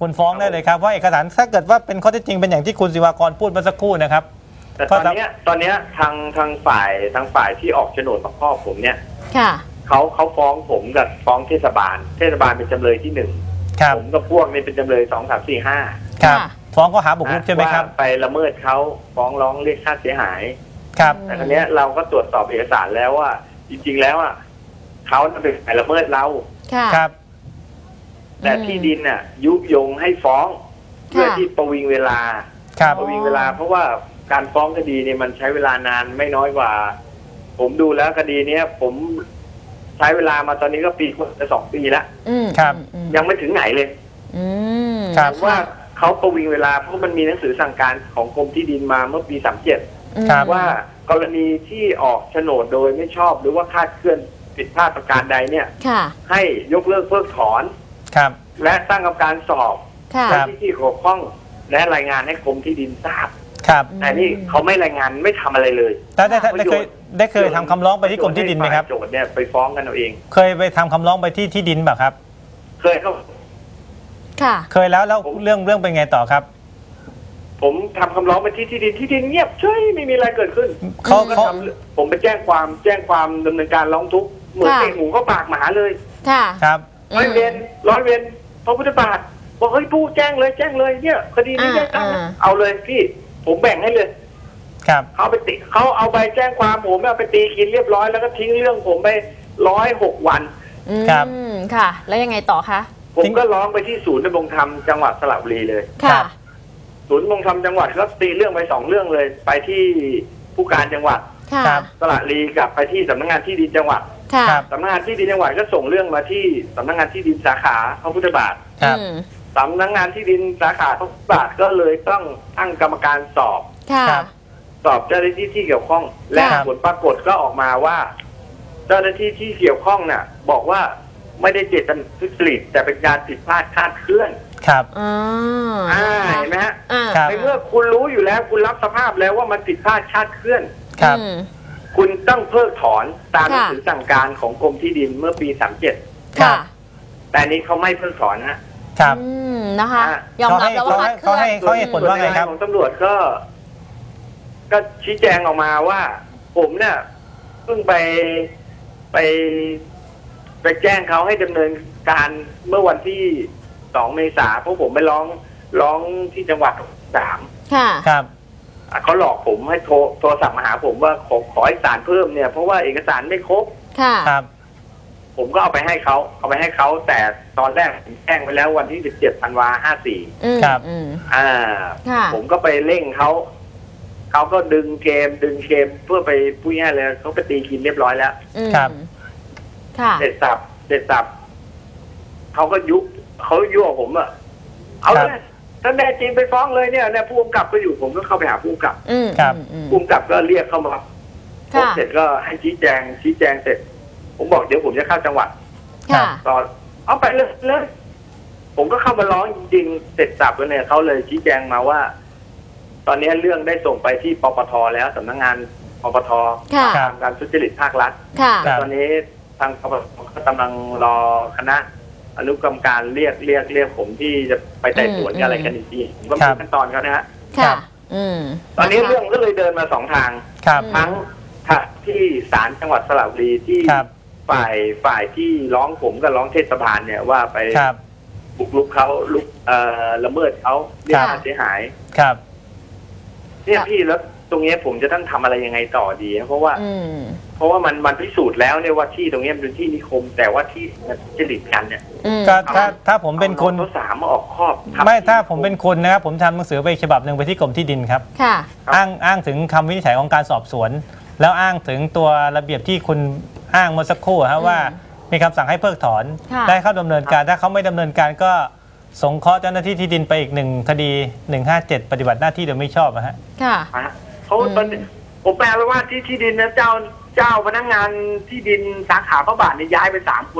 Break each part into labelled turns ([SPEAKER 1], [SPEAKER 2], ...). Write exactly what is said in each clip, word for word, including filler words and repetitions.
[SPEAKER 1] คุณฟ้องได้เลยครับว่าเอกสารถ้าเกิดว่าเป็นข้อเท็จจริงเป็นอย่างที่คุณศิวากรพูดเมื่อสักครู่นะครับ
[SPEAKER 2] แต่ตอนนี้ตอนนี้ทางทางฝ่ายทางฝ่ายที่ออกโฉนดกับพ่อผมเนี่ย
[SPEAKER 3] ค่ะ
[SPEAKER 2] เขาเขาฟ้องผมกับฟ้องเทศบาลเทศบาลเป็นจำเลยที่หนึ่งผมกับพวกนี้เป็นจำเลยสองสามสี่ห้า
[SPEAKER 1] ครับฟ้องก็หาบุกรุกใช่ไหมครับ
[SPEAKER 2] ไปละเมิดเขาฟ้องร้องเรียกค่าเสียหาย
[SPEAKER 1] ครับ
[SPEAKER 2] แต่ครั้งนี้เราก็ตรวจสอบเอกสารแล้วว่าจริงๆแล้วอ่ะเขาเป็นฝ่ายละเมิดเรา
[SPEAKER 1] ครับ
[SPEAKER 2] แต่ที่ดินน่ะยุยงให้ฟ้องเพื่อที่ประวิงเวลาประวิงเวลาเพราะว่าการฟ้องคดีเนี่ยมันใช้เวลานานไม่น้อยกว่าผมดูแล้วคดีเนี้ยผมใช้เวลามาตอนนี้ก็ปีกว่าสองปีแล้ว
[SPEAKER 1] ครับ
[SPEAKER 2] ยังไม่ถึงไหนเลย
[SPEAKER 1] ครับ
[SPEAKER 2] ว่าเขาประวิงเวลาเพราะมันมีหนังสือสั่งการของกรมที่ดินมาเมื่อปีสามเจ็ดว่ากรณีที่ออกโฉนดโดยไม่ชอบหรือว่าคลาดเคลื่อนผิดพลาดประการใดเนี่ยให้ยกเลิกเพิกถอน
[SPEAKER 1] ครับ
[SPEAKER 2] และตั้งกรรมการสอบที่ที่เกี่ยวข้องและรายงานให้กรมที่ดินทราบ
[SPEAKER 1] ครับ
[SPEAKER 2] แต่นี่เขาไม่รายงานไม่ทำอะไรเลย
[SPEAKER 1] ได้ได้ได้เคยได้เคยทำคำร้องไปที่กรมที่ดินไหมครับ
[SPEAKER 2] โจทย์เนี่ยไปฟ้องกันเอาเอง
[SPEAKER 1] เคยไปทำคำร้องไปที่ที่ดินแบบครับ
[SPEAKER 2] เคยครับ
[SPEAKER 3] ค่ะ
[SPEAKER 1] เคยแล้วแล้วเรื่องเรื่องเป็นไงต่อครับ
[SPEAKER 2] ผมทำคำร้องไปที่ที่ดินที่ดินเงียบเฉยไม่มีอะไรเกิดขึ้น
[SPEAKER 1] เขาเขา
[SPEAKER 2] ผมไปแจ้งความแจ้งความดำเนินการร้องทุกข์เหมือนเตะหมูก็ปากหมาเลย
[SPEAKER 3] ค่ะ
[SPEAKER 1] ครับ
[SPEAKER 2] ร้อยเวรร้อยเวรพระพุทธบาทบอกเฮ้ยผู้แจ้งเลยแจ้งเลยเนี่ยคดีนี้แจ้งเอาเลยพี่ผมแบ่งให้เลย
[SPEAKER 1] ครับ
[SPEAKER 2] เขาไปติเขาเอาไปแจ้งความผมเอาไปตีกินเรียบร้อยแล้วก็ทิ้งเรื่องผมไปร้อยหกวัน
[SPEAKER 1] ครับ
[SPEAKER 3] ค่ะแล้วยังไงต่อคะ
[SPEAKER 2] ผมก็ร้องไปที่ศูนย์ดำรงธรรมจังหวัดสระบุรีเลย
[SPEAKER 3] ค่ะ
[SPEAKER 2] ศูนย์ดำรงธรรมจังหวัดก็ตีเรื่องไปสองเรื่องเลยไปที่ผู้การจังหวัดสระบุรีกับไปที่สำนักงานที่ดินจังหวัดสำนักงานที่ดินจังหวัดก็ส่งเรื่องมาที่สำนักงานที่ดินสาขาพระพุทธบาทสำนักงานที่ดินสาขาพระพุทธบาทก็เลยต้องตั้งกรรมการสอบสอบเจ้าหน้าที่ที่เกี่ยวข้องและผลปรากฏก็ออกมาว่าเจ้าหน้าที่ที่เกี่ยวข้องน่ะบอกว่าไม่ได้เจตนาทุจริตแต่เป็นการผิดพลาดคลาดเคลื่อน
[SPEAKER 1] ครับ
[SPEAKER 3] อ่
[SPEAKER 2] าเห็นไหมฮะในเมื่อคุณรู้อยู่แล้วคุณรับสภาพแล้วว่ามันผิดพลาดคลาดเคลื่อน
[SPEAKER 1] ครับ
[SPEAKER 2] คุณต้องเพิกถอนตามหนังสือสั่งการของกรมที่ดินเมื่อปีสามเจ็ด
[SPEAKER 3] ค่ะ
[SPEAKER 2] แต่นี้เขาไม่เพิกถอน
[SPEAKER 1] นะครับ
[SPEAKER 3] นะคะยอมรับแล้วว่า
[SPEAKER 1] เขาให้เขาให้ผลว่าไงครับ
[SPEAKER 2] ของตำรวจก็ก็ชี้แจงออกมาว่าผมเนี่ยเพิ่งไปไปไปแจ้งเขาให้ดำเนินการเมื่อวันที่สองเมษาเพราะผมไปร้องร้องที่จังหวัดสาม
[SPEAKER 3] ค่ะ
[SPEAKER 1] ครับ
[SPEAKER 2] เขาหลอกผมให้โทรโทรศัพท์มาหาผมว่าขอขอเอกสารเพิ่มเนี่ยเพราะว่าเอกสารไม่ครบ
[SPEAKER 3] ค่ะ
[SPEAKER 1] ครับ
[SPEAKER 2] ผมก็เอาไปให้เขาเอาไปให้เขาแต่ตอนแรกผมแจ้งไปแล้ววันที่สิบเจ็ดธันวาห้าสี่
[SPEAKER 1] ครับ
[SPEAKER 2] อ่าผมก็ไปเร่งเขาเขาก็ดึงเกมดึงเกมเพื่อไปพูดง่ายเลยเขาไปตีกินเรียบร้อยแล้ว
[SPEAKER 1] ครับ
[SPEAKER 3] ค่ะ
[SPEAKER 2] เสร็จสับเสร็จสับเขาก็ยุเขายั่วผมอะเอาเลยถ้าแน่จริงไปฟ้องเลยเนี่ยเนี่ยผู้กำกับก็อยู่ผมก็เข้าไปหาผู้กำกับ
[SPEAKER 1] ครับ
[SPEAKER 2] ผู้กำกับก็เรียกเข้ามาผมเสร็จก็ให้ชี้แจงชี้แจงเสร็จผมบอกเดี๋ยวผมจะเข้าจังหวัดตอนเอาไปเลยเลยผมก็เข้ามาร้องจริงๆเสร็จสับแล้วเนี่ยเขาเลยชี้แจงมาว่าตอนนี้เรื่องได้ส่งไปที่ปปทแล้วสำนักงานปปทการทุจริตภาครัฐตอนนี้ทางปปทกำลังรอคณะอนุกรรมการเรียกเรียกเรียกผมที่จะไปไต่สวนอะไรกันอีกทีผมก็มีขั้นตอนเขานะฮะตอนนี้เรื่องก็เลยเดินมาสองทางทั้งที่ศาลจังหวัดสระบุรีที่ฝ่ายฝ่ายที่ร้องผมกับร้องเทศบาลเนี่ยว่าไปบุกรุกเขาลุกเอ่อละเมิดเขาเรียกค่าเสียหาย
[SPEAKER 1] ครับ
[SPEAKER 2] เนี่ยพี่แล้วตรงนี้ผมจะต้องทำอะไรยังไงต่อดีเพราะว่าเพราะว่ามันมันพิสูจน์แล้วเนี่ยว่าที่ตรงนี้เป็นที่นิคมแต่ว่าที่จริตกันเนี่ย
[SPEAKER 1] ก็ถ้าถ้าผมเป็นคน
[SPEAKER 2] เขาสามมาออกครอบ
[SPEAKER 1] ไม่ถ้าผมเป็นคนนะครับผมทำหนังสือไปฉบับหนึ่งไปที่กรมที่ดินครับ
[SPEAKER 3] ค่ะ
[SPEAKER 1] อ้างอ้างถึงคำวินิจฉัยของการสอบสวนแล้วอ้างถึงตัวระเบียบที่คุณอ้างเมื่อสักครู่ครับว่ามีคำสั่งให้เพิกถอนได้เข้าดำเนินการถ้าเขาไม่ดำเนินการก็สงเคราะห์เจ้าหน้าที่ที่ดินไปอีกหนึ่งคดีหนึ่งห้าเจ็ดปฏิบัติหน้าที่โดยไม่ชอบนะฮะ
[SPEAKER 3] ค่ะ
[SPEAKER 2] เขาผมแปลว่าที่ที่ดินนะเจ้าเจ้าพนักงานที่ดินสาขาพระบาทเนี่ยย้ายไปสามคนแล้ว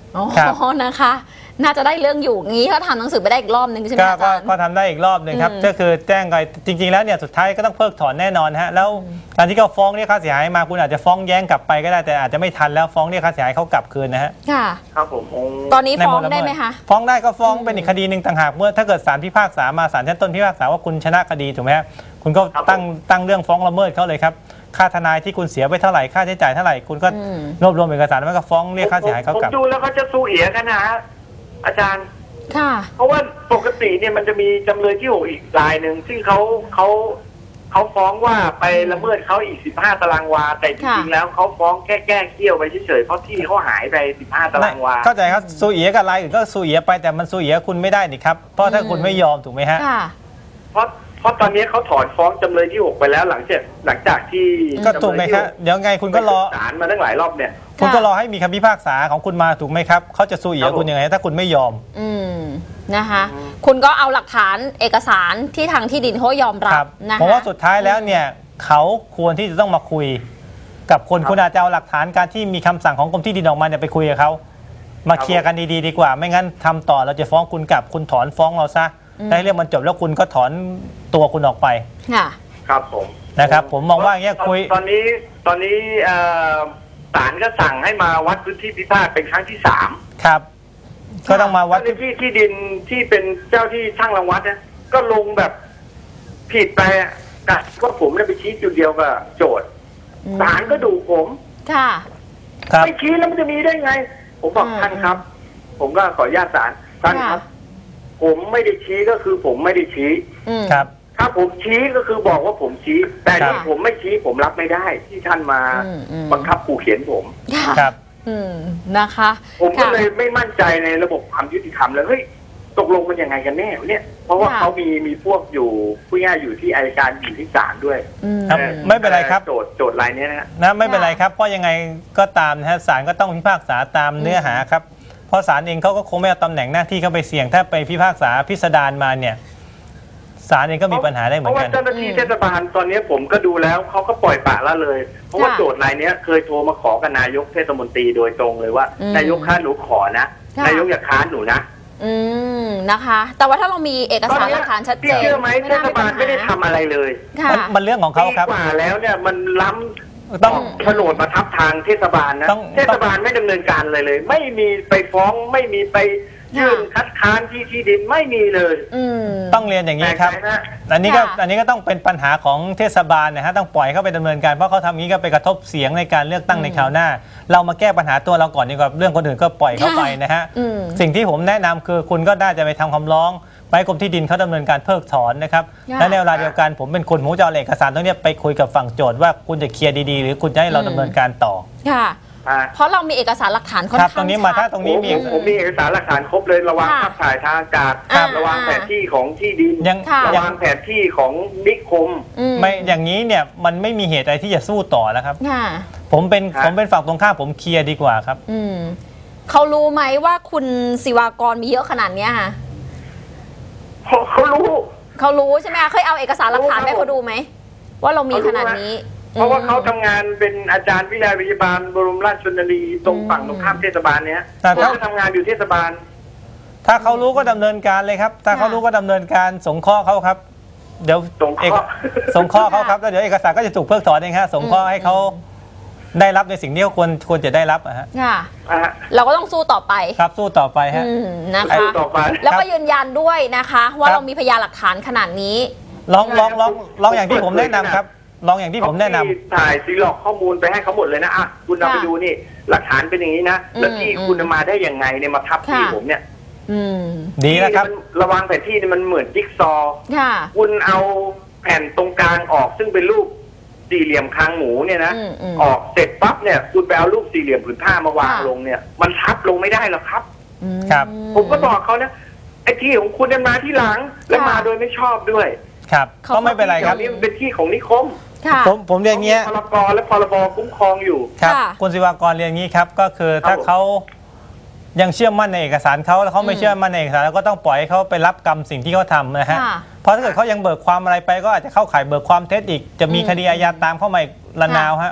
[SPEAKER 3] อ๋อ
[SPEAKER 1] ครับ
[SPEAKER 3] นะคะ น่าจะได้เรื่องอยู่งี้ถ้าทำหนังสือไปได้อีกรอบนึงใช่ไหม
[SPEAKER 1] ก็
[SPEAKER 3] อา
[SPEAKER 1] ก็
[SPEAKER 3] จารย์
[SPEAKER 1] ก็ทำได้อีกรอบหนึ่งครับ
[SPEAKER 3] อืม
[SPEAKER 1] ก็คือแจ้งไปจริง ๆ แล้วเนี่ยสุดท้ายก็ต้องเพิกถอนแน่นอนฮะแล้วการที่เขาฟ้องเรียกค่าเสียหายมาคุณอาจจะฟ้องแย้งกลับไปก็ได้แต่อาจจะไม่ทันแล้วฟ้องเรียกค่าเสียหายเขากลับคืนนะฮะ
[SPEAKER 3] ค่ะ
[SPEAKER 2] ครับผมโอ้
[SPEAKER 3] ตอนนี้
[SPEAKER 1] ใน
[SPEAKER 3] ฟ้อง
[SPEAKER 1] ล
[SPEAKER 3] ได้ไหมคะ
[SPEAKER 1] ฟ้องได้ก็ฟ้อง
[SPEAKER 3] อืม
[SPEAKER 1] เป็นอีกคดีหนึ่งต่างหากเมื่อถ้าเกิดศาลพิพากษามาศาลชั้นต้นพิพากษาว่าคุณชนะคดีถูกไหมฮะคุณก็ตั้งตั้งเรื่องฟ้องละเมิดเขาเลยครับค่าทนายที่คุณเสียไปเท่าไหร่ค่าใช้จ่ายเท่าไหร่คุณก็
[SPEAKER 3] อืม
[SPEAKER 1] รวบรวมเอกสารแล้วก็ฟ้องเรียกค่าเสียหายเขา
[SPEAKER 2] ผม
[SPEAKER 1] กลับ
[SPEAKER 2] ดูแล้วเขาจะสู้เอียกันนะฮะอาจารย์
[SPEAKER 3] ค่ะ
[SPEAKER 2] เพราะว่าปกติเนี่ยมันจะมีจำเลยที่หกอีกรายหนึ่งซึ่งเขาเขาเขาฟ้องว่าไปละเมิดเขาอีกสิบห้าตารางวาแต่จริงๆแล้วเขาฟ้องแค่แก้เกี้ยวไปเฉยๆเพราะที่เขาหายไปสิบห้าตารางวา
[SPEAKER 1] เข้าใจครับซูเอียกับรายอื่นก็ซูเอียไปแต่มันซูเอียคุณไม่ได้นี่ครับเพราะถ้าคุณไม่ยอมถูกไหมฮะ
[SPEAKER 3] ค่ะ
[SPEAKER 2] เพราะเพราะตอนนี้เขาถอนฟ้องจำเลยที่หกไปแล้วหลังจากหลังจากที่
[SPEAKER 1] ก็ถูกไหมครับเดี๋ยวไงคุณก็รอ
[SPEAKER 2] ศาลมาตั้งหลายรอบเนี่ย
[SPEAKER 1] คุณก็รอให้มีคำพิพากษาของคุณมาถูกไหมครับเขาจะซูเอียคุณยังไงถ้าคุณไม่ยอม
[SPEAKER 3] อืมนะคะ คุณก็เอาหลักฐานเอกสารที่ทางที่ดินเขายอมรับ
[SPEAKER 1] ครับ
[SPEAKER 3] นะคะ
[SPEAKER 1] เพราะว่าสุดท้ายแล้วเนี่ยเขาควรที่จะต้องมาคุย กับคน
[SPEAKER 2] ครับ
[SPEAKER 1] คุณอาจจะเอาหลักฐานการที่มีคำสั่งของกรมที่ดินออกมาเนี่ยไปคุยกับเขามา
[SPEAKER 2] ครับ
[SPEAKER 1] เคลียร์กันดีๆดีกว่า ไม่งั้นทำต่อเราจะฟ้องคุณกลับคุณถอนฟ้องเราซะ
[SPEAKER 3] อืม
[SPEAKER 1] ได้เรื่องมันจบแล้วคุณก็ถอนตัวคุณออกไป
[SPEAKER 3] ค่ะ
[SPEAKER 2] ครับผม
[SPEAKER 1] นะครับผมมองว่าอย่างเงี้ยคุย
[SPEAKER 2] ตอนนี้ตอนนี้เอ่อศาลก็สั่งให้มาวัดพื้นที่พิพาทเป็นครั้งที่สาม
[SPEAKER 1] ครับ ก็ต้องมาวั
[SPEAKER 2] วั
[SPEAKER 1] ด
[SPEAKER 2] ดที่ที่ดินที่เป็นเจ้าที่ช่างรังวัดนะก็ลงแบบผิดไปอะกะว่าผมได้ไปชี้จุดเดียวกับโจทย์
[SPEAKER 3] อืม
[SPEAKER 2] ศาลก็ดูผม
[SPEAKER 3] ค่ะ
[SPEAKER 1] ครับ
[SPEAKER 2] ไม่ชี้แล้วมันจะมีได้ไง ผมบอก
[SPEAKER 3] อืม
[SPEAKER 2] ท่านครับ ผมก็ขออนุญาตศาลท่านครับ ผมไม่ได้ชี้ก็คือผมไม่ได้ชี้
[SPEAKER 3] อืม
[SPEAKER 1] ครับ
[SPEAKER 2] ถ้าผมชี้ก็คือบอกว่าผมชี้ แต่
[SPEAKER 1] ครับ
[SPEAKER 2] ที่ผมไม่ชี้ผมรับไม่ได้ ที่ท่านมา
[SPEAKER 3] อืมอืม
[SPEAKER 2] บังคับขู่เขียนผม
[SPEAKER 3] ค่ะ
[SPEAKER 1] ครับ
[SPEAKER 3] อืมนะคะ
[SPEAKER 2] ผมก็
[SPEAKER 3] ค่ะ
[SPEAKER 2] เลยไม่มั่นใจในระบบความยุติธรรมเลยเฮ้ยตกลงมันยังไงกันแน่วะเนี่ย เพราะว่า
[SPEAKER 3] ค่ะ
[SPEAKER 2] เขามีมีพวกอยู่ผู้ง่ายอยู่ที่อัยการอยู่ที่ศาลด้วย
[SPEAKER 3] อืม
[SPEAKER 1] ครับ ไม่เป็นไรครับ
[SPEAKER 2] โจทย์โจทย์รายเนี้ยนะฮะ
[SPEAKER 1] นะไม่เป็นไรครับเพราะยังไงก็ตามนะฮะศาลก็ต้องพิพากษาตามเนื้อหาครับเพราะศาลเองเขาก็คงไม่เอาตำแหน่งหน้าที่เข้าไปเสี่ยงถ้าไปพิพากษาพิสดารมาเนี่ยศาลเองก็มีปัญหาได้เหมือนกัน
[SPEAKER 2] เพราะว่าเจ้าหน้าที่เทศบาลตอนนี้ผมก็ดูแล้วเขาก็ปล่อยปละละเลย เพราะว่า
[SPEAKER 3] ค่ะ
[SPEAKER 2] โจทย์รายเนี้ยเคยโทรมาขอกับนายกเทศมนตรีโดยตรงเลยว่า
[SPEAKER 3] อืม
[SPEAKER 2] นายกค้านหนูขอนะ
[SPEAKER 3] ค่ะ
[SPEAKER 2] นายกอย่าค้านหนูนะ
[SPEAKER 3] อืมนะคะ แต่ว่าถ้าเรามีเอก
[SPEAKER 2] ตอน
[SPEAKER 3] สาร
[SPEAKER 2] เนี้
[SPEAKER 3] หลั
[SPEAKER 2] ย
[SPEAKER 3] กฐานชัดเจ
[SPEAKER 2] พี่
[SPEAKER 3] น
[SPEAKER 2] เชื่อไหมเท
[SPEAKER 3] น่
[SPEAKER 2] ศบาลไม่ได้
[SPEAKER 3] ปัญห
[SPEAKER 2] ทำอะไรเลย
[SPEAKER 3] ค่ะ
[SPEAKER 1] มันมันเรื่องของเขาครับ
[SPEAKER 2] ปีกว่าแล้วเนี่ยมันล้ำ
[SPEAKER 1] ต้อง
[SPEAKER 2] โฉนดมาทับทางเทศบาลนะ
[SPEAKER 1] ต้อง
[SPEAKER 2] เทศบาลไม่ดำเนินการเลยเลย ไม่มีไปฟ้องไม่มีไปยื่น
[SPEAKER 3] ค่ะ
[SPEAKER 2] คัดค้านที่ที่ดินไม่มีเลย
[SPEAKER 3] อืม
[SPEAKER 1] ต้องเรียนอย่างนี้ครับ
[SPEAKER 2] แปลกใจนะ
[SPEAKER 1] อันนี้ก็
[SPEAKER 3] ค่ะ
[SPEAKER 1] อันนี้ก็ต้องเป็นปัญหาของเทศบาลนะฮะต้องปล่อยเข้าไปดำเนินการเพราะเขาทำนี้ก็ไปกระทบเสียงในการเลือกตั้ง
[SPEAKER 3] อืม
[SPEAKER 1] ในคราวหน้า เรามาแก้ปัญหาตัวเราก่อนดีกว่าเรื่องคนอื่นก็ปล่อยเข้าไปนะฮะ
[SPEAKER 3] อืม
[SPEAKER 1] สิ่งที่ผมแนะนำคือคุณก็น่าจะไปทำคำร้องไปให้กรมที่ดินเขาดำเนินการเพิกถอนนะครับ
[SPEAKER 3] ค่ะ
[SPEAKER 1] และในเวลาเดียวกันผมเป็นคนผมจะเอาเอกสารตรงเนี้ยไปคุยกับฝั่งโจทย์ว่าคุณจะเคลียร์ดีๆ หรือคุณจะให้เราดำเนินการต่อ
[SPEAKER 3] ค่ะ
[SPEAKER 2] อ่า
[SPEAKER 3] เพราะเรามีเอกสารหลักฐานค่อน
[SPEAKER 1] ครับ
[SPEAKER 3] ข้าง
[SPEAKER 1] ตรงนี้มา
[SPEAKER 3] ชั
[SPEAKER 1] ถ้า
[SPEAKER 3] ด
[SPEAKER 1] ตรง
[SPEAKER 2] ผ
[SPEAKER 1] นี้
[SPEAKER 2] ม
[SPEAKER 1] มี
[SPEAKER 2] ผมผมมีเอกสารหลักฐานครบเลยระวัง
[SPEAKER 3] ค่ะ
[SPEAKER 2] ภาพถ่ายทางอากาศ
[SPEAKER 3] อ่า
[SPEAKER 2] ระวังแผนที่ของที่ดิน
[SPEAKER 1] ยัง
[SPEAKER 3] ค่ะ
[SPEAKER 2] ระ
[SPEAKER 1] ยัง
[SPEAKER 2] วังแผนที่ของนิคม
[SPEAKER 3] อืม
[SPEAKER 1] ไม่อย่างนี้เนี่ยมันไม่มีเหตุอะไรที่จะสู้ต่อแล้วครับ
[SPEAKER 3] ค่ะ
[SPEAKER 1] ผมเป็น
[SPEAKER 2] ครับ
[SPEAKER 1] ผมเป็นฝั่งตรงข้ามผมเคลียร์ดีกว่าครับ
[SPEAKER 3] อืมเขารู้ไหมว่าคุณศิวากรมีเยอะขนาดเนี้ยค่ะ
[SPEAKER 2] เขาเขารู้
[SPEAKER 3] เขารู้ใช่ไหมคะเคยเอาเอกสารหลักฐาน
[SPEAKER 2] รู้ครับ
[SPEAKER 3] ให้เขาดูไหมว่าเรามีขนาดนี้
[SPEAKER 2] เพราะว่าเขา
[SPEAKER 3] อืม
[SPEAKER 2] ทำงานเป็นอาจารย์วิทยาลัยพยาบาลบรมราชชนนีตรง
[SPEAKER 3] อืม
[SPEAKER 2] ฝั่งตรงข้ามเทศบาลเนี้ย
[SPEAKER 1] แต่
[SPEAKER 2] เขา
[SPEAKER 1] ถ้า
[SPEAKER 2] จะทำงานอยู่เทศบาล
[SPEAKER 1] ถ้าเขารู้ก็ดำเนินการเลยครับ ถ้าเขารู้ก็ดำเนินการสงเคราะห์เขาครับ เดี๋ยว
[SPEAKER 2] สงเคราะห์
[SPEAKER 1] อกสงเคราะห์เขาครับแล้วเดี๋ยวเอกสารก็จะถูกเพิกถอนเองฮะสงเคราะห์ให้เขาได้รับในสิ่งที่เขาควรควรจะได้รับอะฮะ
[SPEAKER 3] ค่ะ
[SPEAKER 2] อ่ะฮะ
[SPEAKER 3] เราก็ต้องสู้ต่อไป
[SPEAKER 1] ครับสู้ต่อไปฮะ
[SPEAKER 3] อืมนะ
[SPEAKER 2] ไอ้
[SPEAKER 3] คะ
[SPEAKER 2] ต่อไป
[SPEAKER 3] แล้วก็ยืนยันด้วยนะคะ ว่า
[SPEAKER 1] ครับ
[SPEAKER 3] เรามีพยานหลักฐานขนาดนี้
[SPEAKER 1] ลองลองลองลองอย่างที่ผมแนะนำครับลองอย่างที่ผมแนะนำ
[SPEAKER 2] ที่ถ่ายซีล็อกข้อมูลไปให้เขาหมดเลยนะอ่ะคุณเอา
[SPEAKER 3] ค่ะ
[SPEAKER 2] ไปดูนี่ หลักฐานเป็นอย่างนี้นะ แล้วที่
[SPEAKER 3] อืม
[SPEAKER 2] คุณเอามาได้ยังไงเนี่ยมาทับที่
[SPEAKER 3] ค่ะ
[SPEAKER 2] ผมเนี่ย
[SPEAKER 3] อืม
[SPEAKER 1] ดีนะครับ
[SPEAKER 2] ที่มันระวังแผนที่เนี่ยมันเหมือนจิ๊กซอว์
[SPEAKER 3] ค่ะ
[SPEAKER 2] คุณเอาแผ่นตรงกลางออกซึ่งเป็นรูปสี่เหลี่ยมคางหมูเนี่ยนะ
[SPEAKER 3] อืมอืม
[SPEAKER 2] ออกเสร็จปั๊บเนี่ยคุณไปเอารูปสี่เหลี่ยมผืนผ้ามาวาง
[SPEAKER 3] ค่ะ
[SPEAKER 2] ลงเนี่ย มันทับลงไม่ได้หรอกครับ
[SPEAKER 3] อืม
[SPEAKER 1] ครับ
[SPEAKER 2] ผมก็บอกเขานะไอ้ที่ของคุณเนี่ยมาที่หลัง และ
[SPEAKER 3] ค่ะ
[SPEAKER 2] มาโดยไม่ชอบด้วย
[SPEAKER 1] ครับ
[SPEAKER 3] เขา
[SPEAKER 1] ก็ไม่เป็นไรครับ
[SPEAKER 2] เดี๋ยวนี้มันเป็นที่ของนิคม
[SPEAKER 3] ค่ะ
[SPEAKER 1] ผมผมเรียนอย่างเงี้ย
[SPEAKER 2] พรกและพรบคุ้มครองอยู่
[SPEAKER 1] ครับ
[SPEAKER 3] ค่ะ
[SPEAKER 1] คุณศิวากรเรียนอย่างนี้ครับก็คือถ้า
[SPEAKER 2] ครับผม
[SPEAKER 1] เขายังเชื่อมั่นในเอกสารเขาแล้วเขาไม่
[SPEAKER 3] อืม
[SPEAKER 1] เชื่อมั่นในเอกสารแล้วก็ต้องปล่อยให้เขาไปรับกรรมสิ่งที่เขาทำนะฮะ
[SPEAKER 3] ค่ะ
[SPEAKER 1] เพราะถ้าเกิดเขายังเบิกความอะไรไปก็อาจจะเข้าข่ายเบิกความเท็จอีก จะมี
[SPEAKER 3] อืม
[SPEAKER 1] คดีอาญาตามเข้ามาอีกระนาวฮะ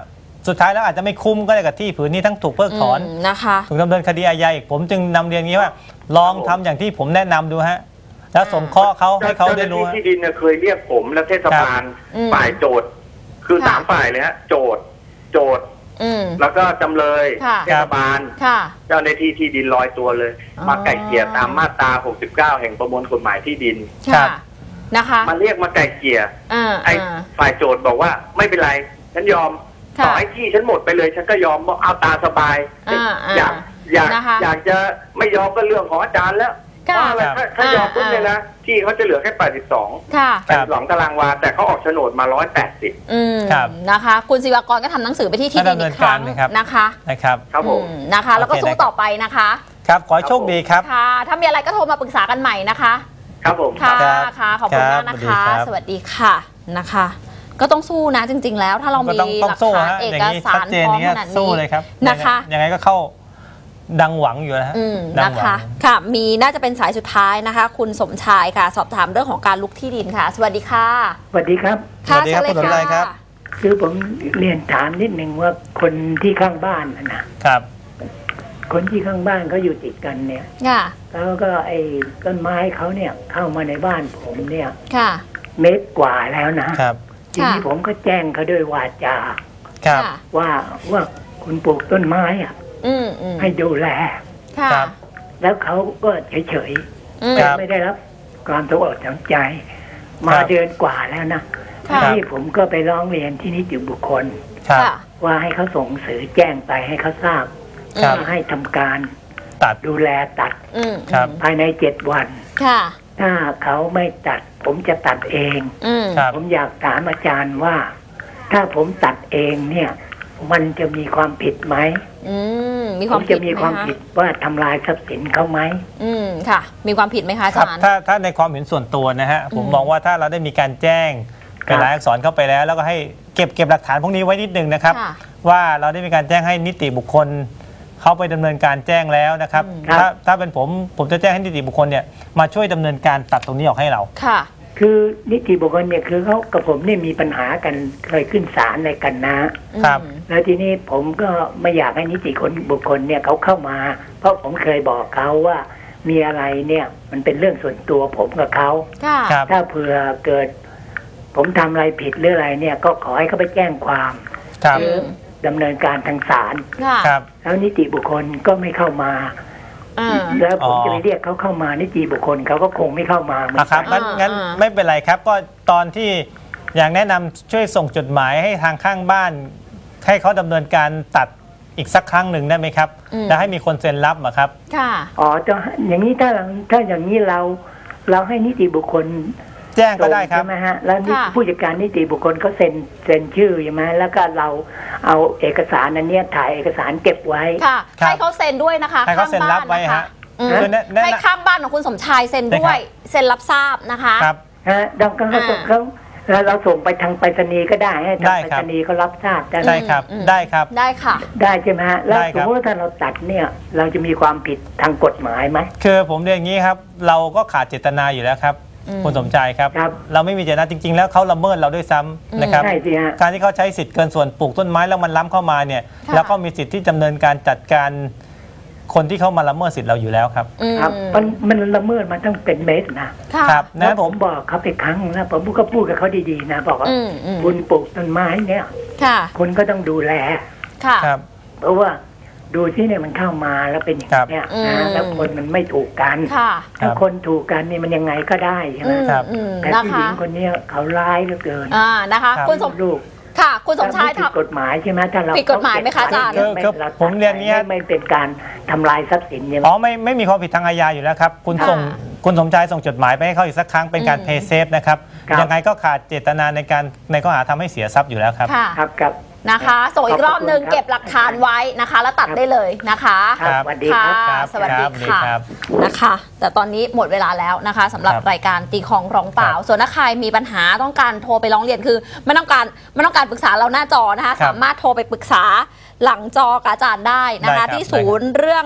[SPEAKER 1] สุดท้ายแล้วอาจจะไม่คุ้มก็ได้กับที่ผืนนี้ทั้งถูกเพิกถอน
[SPEAKER 3] อืมนะคะ
[SPEAKER 1] ถูกดำเนินคดีอาญาอีกผมจึงนำเรียนนี้ว่าลองทำอย่างที่ผมแนะนำดูฮะแล้วสงเคราะห์เขาให้เขาได้รู้
[SPEAKER 2] เจ้าหน้าที่ที่ดินเนี่ยเคยเรียกผมและเทศบาล
[SPEAKER 3] อืม
[SPEAKER 2] ฝ่ายโจทย์คือสามฝ่ายเลยฮะโจทย์โจทย์
[SPEAKER 3] อืม
[SPEAKER 2] แล้วก็จำเลย
[SPEAKER 3] ค่ะ
[SPEAKER 2] เทศบาล
[SPEAKER 3] ค่ะ
[SPEAKER 2] เจ้าหน้าที่ที่ดินลอยตัวเลย
[SPEAKER 3] อ๋อ
[SPEAKER 2] มาไก่เกลี่ยตามมาตราหกสิบเก้าแห่งประมวลกฎหมายที่ดิน
[SPEAKER 1] ครั
[SPEAKER 3] ค่ะ
[SPEAKER 1] บ
[SPEAKER 3] นะคะ
[SPEAKER 2] มาเรียกมาไก่เกลี่ย
[SPEAKER 3] อ่า
[SPEAKER 2] ไอ้
[SPEAKER 3] อ่า
[SPEAKER 2] ฝ่ายโจทย์บอกว่าไม่เป็นไรฉันยอม
[SPEAKER 3] ค่ะ
[SPEAKER 2] ต่อให้ที่ฉันหมดไปเลยฉันก็ยอมบอกเอาตาสบาย
[SPEAKER 3] อ่าอ่า
[SPEAKER 2] อยากอยาก
[SPEAKER 3] นะคะ
[SPEAKER 2] อยากจะไม่ยอมก็เรื่องของอาจารย์แล้วเพ
[SPEAKER 3] ค่ะ
[SPEAKER 2] ราะอะไรถ้าถ้ายอมปุ๊บเลยนะที่เขาจะเหลือแค่แปดสิบสอง
[SPEAKER 3] ค่ะ
[SPEAKER 2] แปดสิบสองตารางวาแต่เขาออกโฉนดมาร้อยแปดสิบ
[SPEAKER 3] อืม
[SPEAKER 1] ครับ
[SPEAKER 3] นะคะ คุณศิวากรก็ทำหนังสือไปที่ที่ดินอีกครั้ง
[SPEAKER 1] ดำเนินการเลยครับ
[SPEAKER 3] นะคะ
[SPEAKER 1] นะครับ
[SPEAKER 2] ครับผม
[SPEAKER 3] อืมนะคะ แล้วก็
[SPEAKER 1] โอเค
[SPEAKER 3] สู้
[SPEAKER 1] นะครับ
[SPEAKER 3] ต่อไปนะคะ
[SPEAKER 1] ครับขอให้โชคดีครับ
[SPEAKER 3] ค่ะ ถ้ามีอะไรก็โทรมาปรึกษากันใหม่นะคะ
[SPEAKER 2] ครับผม
[SPEAKER 3] ค่ะ
[SPEAKER 1] ครับ
[SPEAKER 3] ค่ะ ขอบคุณ
[SPEAKER 1] ครับ
[SPEAKER 3] มากนะคะ
[SPEAKER 1] สวัสดีครับ
[SPEAKER 3] สวัสดีค่ะนะคะ ก็ต้องสู้นะจริง ๆ แล้วถ้าเรา
[SPEAKER 1] ก็
[SPEAKER 3] มี
[SPEAKER 1] ต้อง
[SPEAKER 3] ห
[SPEAKER 1] ต้อง
[SPEAKER 3] ลัก
[SPEAKER 1] สู้
[SPEAKER 3] ฐาน
[SPEAKER 1] ฮะ
[SPEAKER 3] เอ
[SPEAKER 1] อย่าง
[SPEAKER 3] ก
[SPEAKER 1] นี้
[SPEAKER 3] สา
[SPEAKER 1] ชัด
[SPEAKER 3] ร
[SPEAKER 1] เจน
[SPEAKER 3] พร้อม
[SPEAKER 1] นี้
[SPEAKER 3] ขนาด
[SPEAKER 1] สู้
[SPEAKER 3] นี้
[SPEAKER 1] เลยครับ
[SPEAKER 3] นะคะ
[SPEAKER 1] ยังไงยังไงก็เข้าดังหวังอยู่นะฮะ
[SPEAKER 3] อืม
[SPEAKER 1] ดัง
[SPEAKER 3] นะ
[SPEAKER 1] หวั
[SPEAKER 3] คะ
[SPEAKER 1] ง
[SPEAKER 3] ค่ะ มีน่าจะเป็นสายสุดท้ายนะคะ คุณสมชายค่ะ สอบถามเรื่องของการลุกที่ดินค่ะ สวัสดีค่ะ
[SPEAKER 4] สวัสดีครับ
[SPEAKER 3] ค่ะ
[SPEAKER 1] สวัสดีครับ
[SPEAKER 3] เชิญ
[SPEAKER 1] คุณสมชายครับ
[SPEAKER 4] คือผมเรียนถามนิดนึงว่าคนที่ข้างบ้านน่ะนะครับ คนที่ข้างบ้านเขาอยู่ติดกันเนี่ย
[SPEAKER 3] ค่ะ
[SPEAKER 4] แล้วก็ไอ้ต้นไม้เขาเนี่ยเข้ามาในบ้านผมเนี่ย
[SPEAKER 3] ค่ะ
[SPEAKER 4] เมตรกว่าแล้วนะครับ ทีนี้ผมก็แจ้งเขาด้วยวาจา
[SPEAKER 1] ครับ
[SPEAKER 3] ค่ะ
[SPEAKER 4] ว่าว่าคุณปลูกต้นไม้อะ
[SPEAKER 3] อืมอืม
[SPEAKER 4] ให้ดูแล
[SPEAKER 3] ค่ะ
[SPEAKER 1] ครับ
[SPEAKER 4] แล้วเขาก็เฉย
[SPEAKER 3] อืม
[SPEAKER 1] ครับ
[SPEAKER 4] ๆไม่ได้รับความสนอกสนใจ มา
[SPEAKER 1] ครับ
[SPEAKER 4] เดือนกว่าแล้วนะ
[SPEAKER 3] ค่ะ
[SPEAKER 4] ที่ผมก็ไปร้องเรียนที่นิติบุคคล
[SPEAKER 1] ครับ
[SPEAKER 3] ค่ะ
[SPEAKER 4] ว่าให้เขาส่งหนังสือแจ้งไปให้เขาทราบ
[SPEAKER 1] ครับ
[SPEAKER 4] ว่าให้ทำการ
[SPEAKER 1] ตัด
[SPEAKER 4] ดูแลตัด
[SPEAKER 3] อืม
[SPEAKER 1] ครับ
[SPEAKER 4] ภายในเจ็ดวัน
[SPEAKER 3] ค่ะ
[SPEAKER 4] ถ้าเขาไม่ตัด ผมจะตัดเอง
[SPEAKER 3] อืม
[SPEAKER 1] ครับ
[SPEAKER 4] ผมอยากถามอาจารย์ว่า ถ้าผมตัดเองเนี่ย มันจะมีความผิดไหม
[SPEAKER 3] อืมมีค
[SPEAKER 4] ผ
[SPEAKER 3] วาม
[SPEAKER 4] ม
[SPEAKER 3] ผิ
[SPEAKER 4] จะ
[SPEAKER 3] ด
[SPEAKER 4] มี
[SPEAKER 3] ไห
[SPEAKER 4] ความ
[SPEAKER 3] คะ
[SPEAKER 4] ผิดว่าทำลายทรัพย์สินเขาไหม
[SPEAKER 3] อืมค่ะ มีความผิดไหมคะอา
[SPEAKER 1] ครับ
[SPEAKER 3] จารย์
[SPEAKER 1] ถ้าถ้าในความเห็นส่วนตัวนะฮะผม
[SPEAKER 3] อืม
[SPEAKER 1] มองว่าถ้าเราได้มีการแจ้งเป็นรายอักษรเข้าไปแล้ว แล้วก็ให้เก็บเก็บหลักฐานพวกนี้ไว้นิดนึงนะครับ
[SPEAKER 3] ค่ะ
[SPEAKER 1] ว่าเราได้มีการแจ้งให้นิติบุคคลเขาไปดำเนินการแจ้งแล้วนะครับ
[SPEAKER 3] อืม
[SPEAKER 4] ครับ
[SPEAKER 1] ถ้าถ้าเป็นผมผมจะแจ้งให้นิติบุคคลเนี่ยมาช่วยดำเนินการตัดตรงนี้ออกให้เรา
[SPEAKER 3] ค่ะ
[SPEAKER 4] คือนิติบุคคลเนี่ยคือเขากับผมเนี่ยมีปัญหากันเคยขึ้นศาลอะไรกันนะ
[SPEAKER 1] ครับ
[SPEAKER 3] อืม
[SPEAKER 4] แล้วทีนี้ผมก็ไม่อยากให้นิติคนบุคคลเนี่ยเขาเข้ามา เพราะผมเคยบอกเขาว่ามีอะไรเนี่ยมันเป็นเรื่องส่วนตัวผมกับเขา
[SPEAKER 3] ค่ะ
[SPEAKER 1] ครับ
[SPEAKER 4] ถ้าเผื่อเกิด ผมทำอะไรผิดหรืออะไรเนี่ย ก็ขอให้เขาไปแจ้งความ
[SPEAKER 1] ครับ
[SPEAKER 4] หรือดำเนินการทางศาล
[SPEAKER 3] ค่ะ
[SPEAKER 1] ครับ
[SPEAKER 4] แล้วนิติบุคคลก็ไม่เข้ามา
[SPEAKER 3] อ่า
[SPEAKER 4] แล้วผม
[SPEAKER 1] อ๋อ
[SPEAKER 4] จะไปเรียกเขาเข้ามานิติบุคคลเขาก็คงไม่เข้ามาเหมือน
[SPEAKER 1] อ่ะค
[SPEAKER 4] กั
[SPEAKER 1] รับ
[SPEAKER 4] น
[SPEAKER 1] งั้น
[SPEAKER 3] อ่า
[SPEAKER 1] งั้น
[SPEAKER 3] อ่า
[SPEAKER 1] ไม่เป็นไรครับ ก็ตอนที่อย่างแนะนำช่วยส่งจดหมายให้ทางข้างบ้าน ให้เขาดำเนินการตัดอีกสักครั้งหนึ่งได้ไหมครับ
[SPEAKER 3] อืม
[SPEAKER 1] แล้วให้มีคนเซ็นรับอะครับ
[SPEAKER 3] ค่ะ
[SPEAKER 4] อ๋อจะอย่างนี้ถ้าเราถ้าอย่างนี้เรา เราให้นิติบุคคล
[SPEAKER 1] แจ้งก็ได้ครับ
[SPEAKER 4] ใช่ไหมฮะแล้วนี่
[SPEAKER 3] ค่ะ
[SPEAKER 4] ผู้จัดการนิติบุคคลเขาเซ็นเซ็นชื่อใช่ไหมแล้วก็เราเอาเอกสารอันเนี้ยถ่ายเอกสารเก็บไว้
[SPEAKER 3] ค่ะ
[SPEAKER 1] ครับ
[SPEAKER 3] ให้เขาเซ็นด้วยนะคะ
[SPEAKER 1] ให้เขาเซ็นรับไว้
[SPEAKER 3] ข้างบ้านนะคะ
[SPEAKER 1] ฮะ
[SPEAKER 3] อืม
[SPEAKER 1] คือแนะแนะ
[SPEAKER 3] ให้ข้างบ้านของคุณสมชายเซ็นด้วย เซ็นรับทราบนะคะ
[SPEAKER 1] ครับ
[SPEAKER 4] ฮะเราก็เขา
[SPEAKER 3] อ่า
[SPEAKER 4] เขาแล้วเราส่งไปทางไปรษณีย์ก็ได้ให้ทาง
[SPEAKER 1] ได้
[SPEAKER 4] ไป
[SPEAKER 1] ค
[SPEAKER 4] ร
[SPEAKER 1] รับ
[SPEAKER 4] ษณีย์เขารับทราบได้ไหม
[SPEAKER 1] ใช่ครับ
[SPEAKER 3] อืม
[SPEAKER 1] ได้ครับ
[SPEAKER 3] ได้ค่ะ
[SPEAKER 4] ได้ใช่ไหมฮะแล้ว
[SPEAKER 1] ได้
[SPEAKER 4] ส
[SPEAKER 1] ครั
[SPEAKER 4] ม
[SPEAKER 1] บ
[SPEAKER 4] มติว่าถ้าเราตัดเนี่ย เราจะมีความผิดทางกฎหมายไหม
[SPEAKER 1] คือผมเรียนอย่างนี้ครับ เราก็ขาดเจตนาอยู่แล้วครับ
[SPEAKER 3] อืม
[SPEAKER 1] คุณสมชายครับ
[SPEAKER 4] ครับ
[SPEAKER 1] เราไม่มีเจตนาจริง ๆ แล้วเขาละเมิดเราด้วยซ้ำนะครับ
[SPEAKER 4] ใช่สิฮะ
[SPEAKER 1] การที่เขาใช้สิทธิ์เกินส่วนปลูกต้นไม้แล้วมันล้ำเข้ามาเนี่ย
[SPEAKER 3] ค่ะ
[SPEAKER 1] แล้วก็มีสิทธิ์ที่ดำเนินการจัดการคนที่เข้ามาละเมิดสิทธิ์เราอยู่แล้วครับ
[SPEAKER 3] อืม
[SPEAKER 4] ครับมันมันละเมิดมาตั้งเป็นเมตรนะ
[SPEAKER 3] ค่ะ
[SPEAKER 1] ครับ
[SPEAKER 4] แล้
[SPEAKER 1] นะ
[SPEAKER 4] วผมบอกเขาไปครั้งนะผมก็พูดกับเขาดีๆนะบอกว่า
[SPEAKER 3] อืมอืม
[SPEAKER 4] คุณปลูกต้นไม้เนี่ย
[SPEAKER 3] ค่ะ
[SPEAKER 4] คุณก็ต้องดูแล
[SPEAKER 3] ค่ะ
[SPEAKER 1] ครับ
[SPEAKER 4] เพราะว่าดูที่เนี่ยมันเข้ามาแล้วเป็นอย่างเนี้ย
[SPEAKER 3] อืม
[SPEAKER 4] นะแล้วคนมันไม่ถูกกัน
[SPEAKER 3] ค่ะ
[SPEAKER 4] ถ้าคนถูกกันนี่มันยังไงก็ได้ใช่ไหม
[SPEAKER 3] อืม
[SPEAKER 1] ครับ
[SPEAKER 3] อืม
[SPEAKER 4] แต่
[SPEAKER 3] นะ
[SPEAKER 4] ผู้หญิ
[SPEAKER 3] คะ
[SPEAKER 4] งคนเนี้ยเขาร้ายเหลือเกิน
[SPEAKER 3] อ่านะคะ
[SPEAKER 1] ครับ
[SPEAKER 3] คุณสม
[SPEAKER 4] ลูก
[SPEAKER 3] ค่ะ คุณสมชาย
[SPEAKER 4] ถ้ไผิด
[SPEAKER 3] ทำ
[SPEAKER 4] กฎหมายใช่ไหมถ้าเรา
[SPEAKER 3] ผิดกฎหมายไหมคะอาจารย์
[SPEAKER 4] เไม่
[SPEAKER 1] คือ
[SPEAKER 4] เรา
[SPEAKER 1] ผมเรียนอย่างนี้
[SPEAKER 4] ไม่ไม่เป็นการทำลายทรัพย์สินใช่ไหม
[SPEAKER 1] อ๋อไม่ไม่มีความผิดทางอาญาอยู่แล้วครับ คุณ
[SPEAKER 3] ค่ะ
[SPEAKER 1] ส่งคุณสมชายส่งจดหมายไปให้เขาอีกสักครั้งเป็นการ
[SPEAKER 3] อืม
[SPEAKER 1] เพย์เซฟนะครับ
[SPEAKER 4] ครับ
[SPEAKER 1] ยังไงก็ขาดเจตนาในการในข้อหาทำให้เสียทรัพย์อยู่แล้วครับ
[SPEAKER 3] ค่ะ
[SPEAKER 4] ครับครับ
[SPEAKER 3] นะคะ ส่งอีกรอบหนึ่ง
[SPEAKER 4] ขอบคุณครับ
[SPEAKER 3] เก็บหลักฐานไว้นะคะ แล้วตัดได้เลยนะคะ
[SPEAKER 4] ครับสวัสดีครับ
[SPEAKER 3] ค่ะ สวัสดี
[SPEAKER 1] ครับ
[SPEAKER 3] ค่ะ
[SPEAKER 1] ครับ
[SPEAKER 3] นะคะ แต่ตอนนี้หมดเวลาแล้วนะคะสำหรับ
[SPEAKER 1] ครับ
[SPEAKER 3] รายการตีของร้องเปล่า
[SPEAKER 1] ครับ
[SPEAKER 3] ส่วนถ้าใครมีปัญหาต้องการโทรไปร้องเรียนคือไม่ต้องการไม่ต้องการปรึกษาเราหน้าจอนะคะ
[SPEAKER 1] ครับ
[SPEAKER 3] สามารถโทรไปปรึกษาหลังจอกับอาจารย์ได้นะ
[SPEAKER 1] ได้ครั
[SPEAKER 3] คะ
[SPEAKER 1] บ
[SPEAKER 3] ที่ศูนย์เรื่องลับ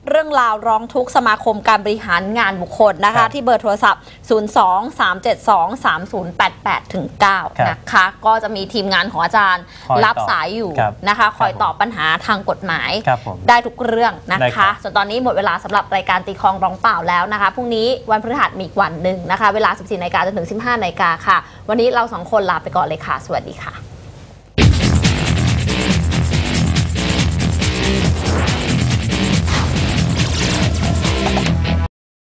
[SPEAKER 3] เรื่องราวร้องทุกข์สมาคมการบริหารงานบุคคลนะ
[SPEAKER 1] ครั
[SPEAKER 3] คะ
[SPEAKER 1] บ
[SPEAKER 3] ที่เบอร์โทรศัพท์ ศูนย์ สอง สาม เจ็ด สอง สาม ศูนย์ แปด แปด เก้า
[SPEAKER 1] ครับ
[SPEAKER 3] นะคะ ก็จะมีทีมงานของอาจารย์
[SPEAKER 1] คอย
[SPEAKER 3] รับ
[SPEAKER 1] ตอบ
[SPEAKER 3] สายอยู่
[SPEAKER 1] ครับ
[SPEAKER 3] นะคะ คอย
[SPEAKER 1] ครับ
[SPEAKER 3] ตอบปัญหาทางกฎหมาย
[SPEAKER 1] ครับผม
[SPEAKER 3] ได้ทุกเรื่องนะ
[SPEAKER 1] ได้ครั
[SPEAKER 3] คะ
[SPEAKER 1] บ
[SPEAKER 3] ส่วนตอนนี้หมดเวลาสำหรับรายการตีคลองร้องเปล่าแล้วนะคะพรุ่งนี้วันพฤหัสมีอีกวันหนึ่งนะคะ เวลา สิบสี่นาฬิกาจนถึง สิบห้านาฬิกาค่ะ วันนี้เราสองคนลาไปก่อนเลยค่ะ สวัสดีค่ะ